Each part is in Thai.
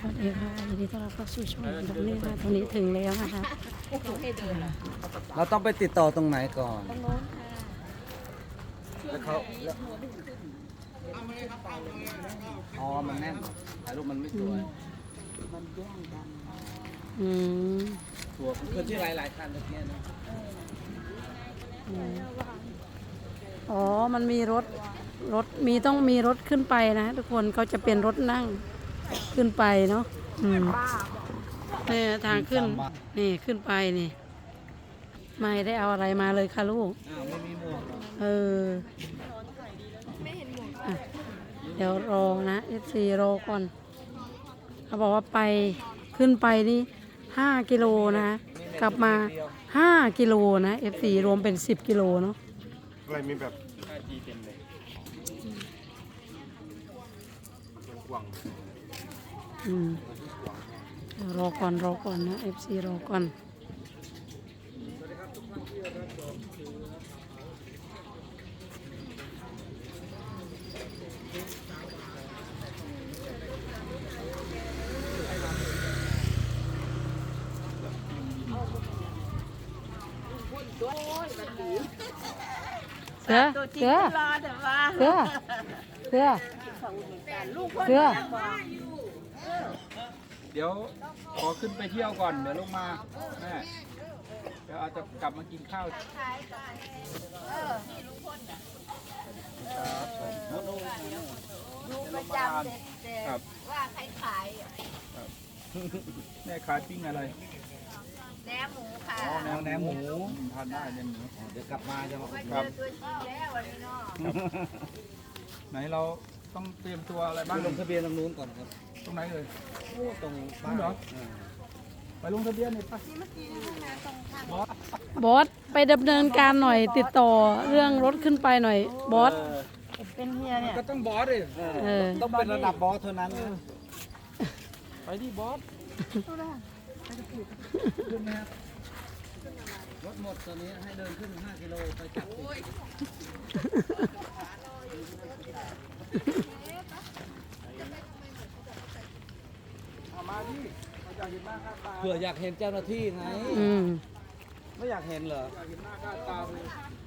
วัสดีค่ะยินดีต้อนรับเข้าสู่ช่องตรงนี้ค่ะตรงนี้ถึงแล้วนะคะเราต้องไปติดต่อตรงไหนก่อนตรงโน้นค่ะแล้วเขาแล้วอ๋อ มันแน่นถ่ายรูปมันไม่สวยอืมตัวคือที่หลายๆคันตะเกียนะอ๋อมันมีรถมีต้องมีรถขึ้นไปนะทุกคนเขาจะเป็นรถนั่งขึ้นไปเนาะนี่ทางขึ้นนี่ขึ้นไปนี่ไม่ได้เอาอะไรมาเลยค่ะลูกอ้าวไม่มีหมวกเหรอเอออ่ะเดี๋ยวรอนะ FC รอก่อนเขาบอกว่าไปขึ้นไปนี่5 กิโลนะกลับมา5 กิโลนะ FC รวมเป็น10 กิโลเนาะอะไรมีแบบจีเต็มเลยกว้างอืมเดี๋ยวรอก่อนนะ FC รอก่อนเสือเสือเสือเสือเสือเดี๋ยวขอขึ้นไปเที่ยวก่อนเดี๋ยวลงมาแม่เดี๋ยวอาจจะกลับมากินข้าวดูประจำครับว่าใครขายแม่ขายปิ้งอะไรแหนมหมูค่ะอ๋อแหนมหมูทานได้แหนมหมูเดี๋ยวกลับมาจะมาครับตัวจริงแล้ววันนี้เนาะไหนเราต้องเตรียมตัวอะไรไปบ้างลงทะเบียนตรงนู้นก่อนครับตรงไหนเลยตรงนี่เหรอไปลงทะเบียนนี่ปะบอสไปดำเนินการหน่อยติดต่อเรื่องรถขึ้นไปหน่อยบอสก็ต้องบอสดิเออต้องเป็นระดับบอสเท่านั้นนะไปที่บอสรถหมดตอนนี้ให้เดินขึ้น5 กิโลไปจับติดเอามาดิเราอยากเห็นหน้าค่าตาเผื่ออยากเห็นเจ้าหน้าที่ไงอืมไม่อยากเห็นเหรออยากเห็นหน้าค่าตาเลย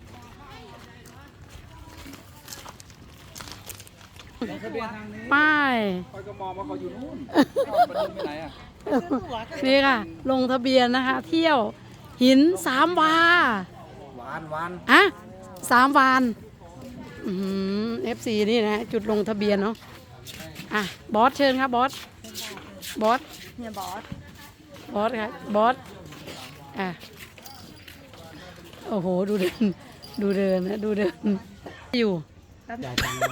ลงทะเบียนทางนี้ป้ายคอยก็มองว่าเขาอยู่นู่นมันไปไหนอ่ะนี่ค่ะ ลงทะเบียนนะคะ เที่ยวหิน3 วาหวานอะ3 วานFC นี่นะจุดลงทะเบียนเนาะอ่ะบอสเชิญครับบอสเนี่ยบอสครับบอสอ่ะโอ้โหดูเดินนะดูเดินอยู่จ่ายตังค์เลย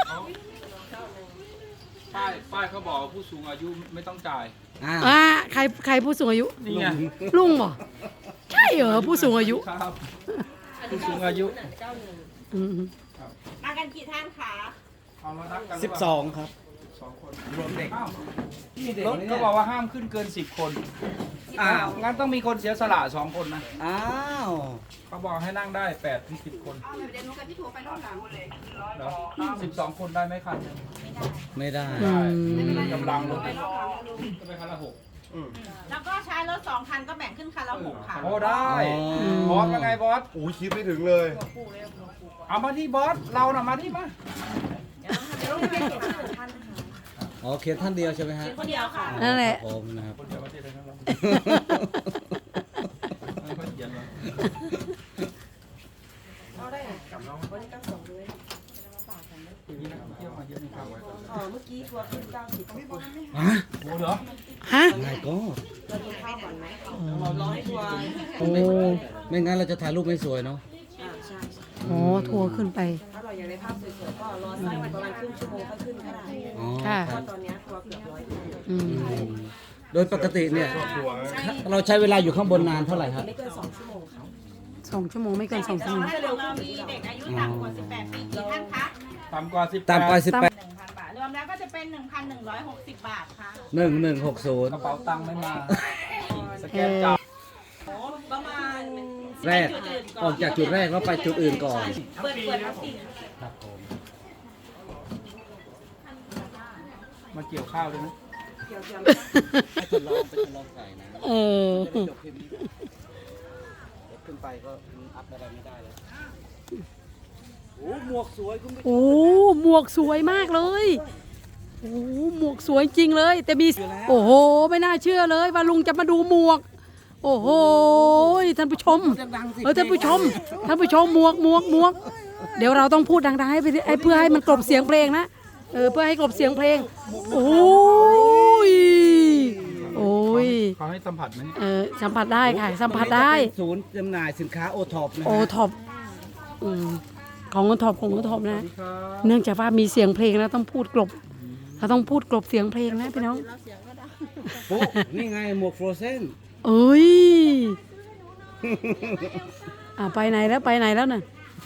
ป้ายเขาบอกว่าผู้สูงอายุไม่ต้องจ่ายอ้าวอ่ะใครผู้สูงอายุนี่ไงลุงเหรอใช่เหรอผู้สูงอายุครับผู้สูงอายุอืมมากันกี่ท่านคะเอามานับกัน 12 ครับ 2 คนรวมเด็กอ้าวมีเด็กรถไหมเขาเนี่ยบอกว่าห้ามขึ้นเกิน10 คนอ้าวงั้นต้องมีคนเสียสละ2 คนนะอ้าวเขาบอกให้นั่งได้8 ถึง 10 คนเอาเดี๋ยวหนูกับพี่ถั่วไปรอบหลังเลยเหรอ12 คนได้ไหมคันหนึ่งไม่ได้อืมกำลังรถไปรอบหลังลุงจะไปคันละแล้วก็ใช้รถ2 คันก็แบ่งขึ้นคันละ6 ค่ะ 6โอ้ได้อ๋อบอสว่าไงบอสโอ้ยคิดไม่ถึงเลยเอามาที่บอสเราน่ะมาที่มาเดี๋ยวลุงไปเก็บท่านอ๋อเขียนท่านเดียวใช่ไหมฮะคนเดียวค่ะนั่นแหละครับผมนะครับคนเดียวมาที่ไหนครับเราไม่ค่อยเขียนหรอกเอาได้กับน้องวันนี้ก็ส่งเลยมีนักท่องเที่ยวมาเยอะนี่ครับเมื่อกี้ทัวร์ขึ้น90คนฮะโอ้เหรอฮะไงก็เรากินข้าวก่อนไหมรอให้ทัวร์โอ้ไม่งั้นเราจะถ่ายรูปไม่สวยเนาะใช่โหทัวร์ขึ้นไปถ้าเราอยากได้ภาพสวยๆก็รอสักประมาณครึ่งชั่วโมงค่อยขึ้นก็ได้อ๋อค่ะเพราะตอนนี้ทัวร์เกือบ100 คนอืมโดยปกติเนี่ยหัวเราใช้เวลาอยู่ข้างบนนานเท่าไหร่ครับไม่เกิน2 ชั่วโมงค่ะ 2 ชั่วโมงไม่เกิน2 ชั่วโมงเรามีเด็กอายุต่ำกว่า18 ปีกี่ท่านคะต่ำกว่า10 ตามไป 1,000 บาท รวมแล้วก็จะเป็น 1,160 บาทค่ะ 1160 กระเป๋าตังค์ไม่มา สแกนจ่ายประมาณแรกออกจากจุดแรกแล้วไปจุดอื่นก่อนเปิดทั้งสี่ครับผมมาเกี่ยวข้าวเลยนะให้ทดลองไปทดลองใส่นะเออจะได้จบคลิปนี้เดี๋ยวขึ้นไปก็อัพอะไรไม่ได้แล้วโอ้หมวกสวยคุณผู้ชมโอ้หมวกสวยมากเลยโอ้หมวกสวยจริงเลย แต่มีโอ้โหไม่น่าเชื่อเลยว่าลุงจะมาดูหมวก โอ้โหท่านผู้ชมดังๆสิท่านผู้ชมหมวกเดี๋ยวเราต้องพูดดังๆให้เพื่อให้มันกลบเสียงเพลงนะเพื่อให้กลบเสียงเพลงโอ้ยเขาให้สัมผัสไหมสัมผัสได้ค่ะสัมผัสได้ศูนย์จำหน่ายสินค้าโอท็อปนะโอฮะท็อปของโอท็อปนะ เนื่องจากว่ามีเสียงเพลงแล้วต้องพูดกลบเราต้องพูดกลบเสียงเพลงนะพี่น้องโอ้นี่ไงหมวกโฟรเซนเอ้ยไปไหนแล้วน่ะ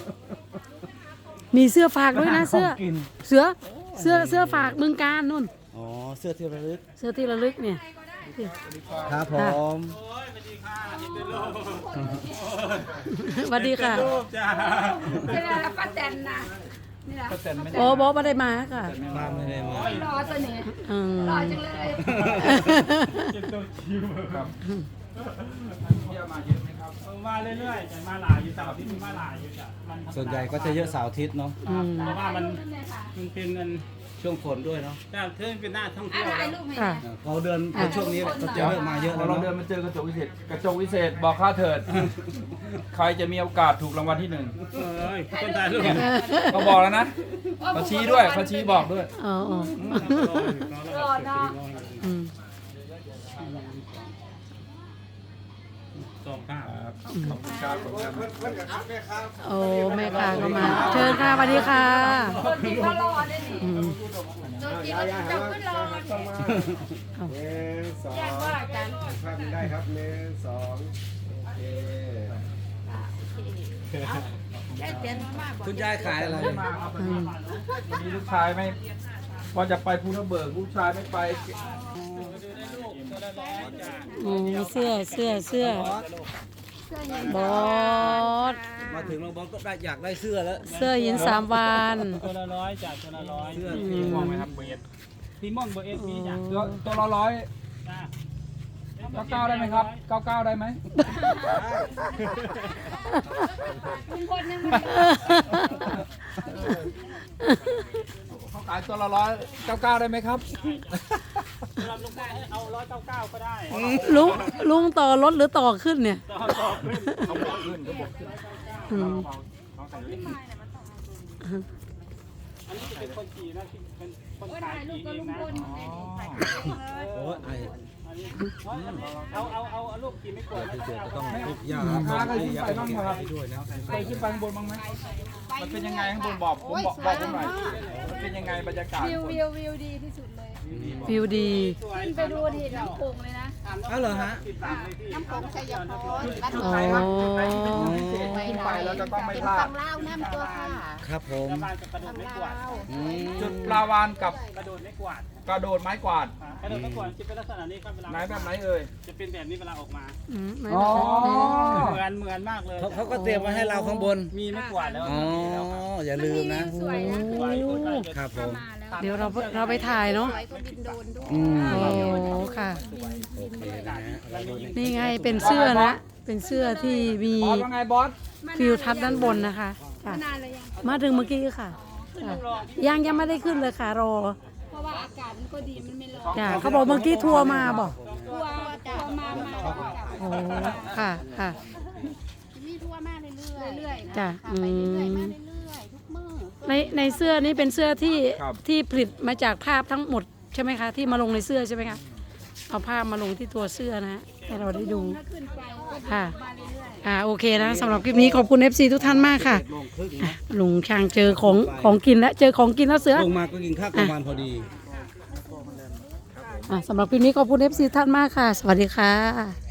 มีเสื้อฝากด้วยนะเสื้อฝากเมืองการนู่นอ๋อเสื้อที่ระลึกเสื้อที่ระลึกเนี่ยครับผมสวัสดีค่ะเวลาป้าแตนนะนี่นะก็เซ็นไม่ได้โอ้บอกไม่ได้มาค่ะมาไม่ได้มารอตัวนี้อืมรอจังเลยครับเที่ยวมาเยอะไหมครับมาเรื่อยๆจะมาหลายอยู่เสาร์อาทิตย์มีมาหลายอยู่จ้ะมันธรรมดาส่วนใหญ่ก็จะเยอะเสาร์อาทิตย์เนาะอืมเพราะว่ามันเป็นเงินช่วงฝนด้วยเนาะแต่เท่เป็นหน้าท่องเที่ยวถ่ายแล้วรูปให้ค่ะพอเดือนพอช่วงนี้ก็จะเริ่มมาเยอะพอแล้วเราเดิเนาะนมาเจอกระจกวิเศษบอกข้าเถิด ใครจะมีโอกาสถูกรางวัลที่ 1 เอ้ยคนถ่ายรูปเขาบอกแล้วนะเขาชี้ด้วยเขาชี้บอกด้วยอ๋อรอเนาะอืมสองข้าวขอบคุณครับขอบคุณครับโอ้แม่ค้าก็มา เชิญค่ะสวัสดีค่ะคนที่เขารอได้นี่อืมตัวจริงก็จับขึ้นรอ 1 2 แยกว่ากันภาพนี้ได้ครับ1 2โอเคได้เปลี่ยนมากกว่าคุณยายขายอะไรมาครับวันนี้ลูกชายไม่ว่าจะไปภูทับเบิกลูกชายไม่ไปเสื้อบอสมาถึงเราบอกก็ได้อยากได้เสื้อแล้วเสื้อหิน3 วันตัวละร้อยจ้ะตัวละร้อยเสื้อสีม่วงไหมครับเบสซีม่อนเบอร์เอสมีจ้ะตัวละร้อยจ้ะ 99ได้ไหมครับ99ได้ไหมลุงพลยังไม่เขาขายตัวละ199ได้ไหมครับสำหรับลุงได้ให้เอา199ก็ได้ลุงต่อรถหรือต่อขึ้นเนี่ยต่อขึ้นเขาบอกขึ้นเขาบอกขึ้นอืมเขาใส่ลิ้นอันนี้จะเป็นคนขี่นะที่เป็นคนขายขี่เองนะโอ้ยไอ้อันนี้เอาลูกขี่ไม่กลัวนะเสื้อก็ต้องทุกอย่างค้าเคยขึ้นไปบ้างไหมครับด้วยนะเคยขึ้นไปข้างบนบ้างไหมมันเป็นยังไงข้างบนบอกผมบอกผมหน่อยมันเป็นยังไงบรรยากาศวิวดีที่สุดเลยวิวดีขึ้นไปดูที่น้ำโขงเลยนะอ้าวเหรอฮะน้ำโขงชัยพรบ้านอ๋อขึ้นไปแล้วจะต้องไม่พลาดฝั่งลาวน้ำตัวค่ะครับผมชาวบ้านจะกระโดดไม่กวาดอืมจุดปลาวานกับกระโดดไม่กวาดกระโดดไม้กวาดกระโดดไม่กวาดจะเป็นลักษณะนี้ครับเวลาไหนแบบไหนเอ่ยจะเป็นแบบนี้เวลาออกมาไม่อ๋อเหมือนมากเลยเขาก็เตรียมไว้ให้เราข้างบนมีไม่กวาดแล้วอ๋อ อย่าลืมนะสวยนะสวยคนได้ครับผมเดี๋ยวเราไปถ่ายเนาะสวยก็บินโดนด้วยอืมโอ้ค่ะโอเคนะฮะเราดูนี่นี่ไงเป็นเสื้อนะ เป็นเสื้อที่มีบอสว่าไงบอสฟิวทัศน์ด้านบนนะคะค่ะนานเลยยังมาถึงเมื่อกี้ค่ะค่ะยังไม่ได้ขึ้นเลยค่ะรอเพราะว่าอากาศมันก็ดีมันไม่ร้อนจ้ะเขาบอกเมื่อกี้ทัวร์มาบอกทัวร์มาโอ้ค่ะค่ะมีทัวร์มาเรื่อยๆจ้ะค่ะไปเรื่อยๆมาเรื่อยๆทุกมื้อในเสื้อนี้เป็นเสื้อที่ผลิตมาจากภาพทั้งหมดใช่ไหมคะที่มาลงในเสื้อใช่ไหมคะเอาภาพมาลงที่ตัวเสื้อนะให้เราได้ดูถ้าขึ้นไปก็ค่ะมาเรื่อยโอเคนะสำหรับคลิปนี้ขอบคุณ FC ทุกท่านมากค่ะโมงครึ่งนะลุงช่างเจอของกินแล้วเจอของกินแล้วเสือลงมาก็กินข้าวกลางวันพอดีสำหรับคลิปนี้ขอบคุณ FC ท่านมากค่ะ สวัสดีค่ะ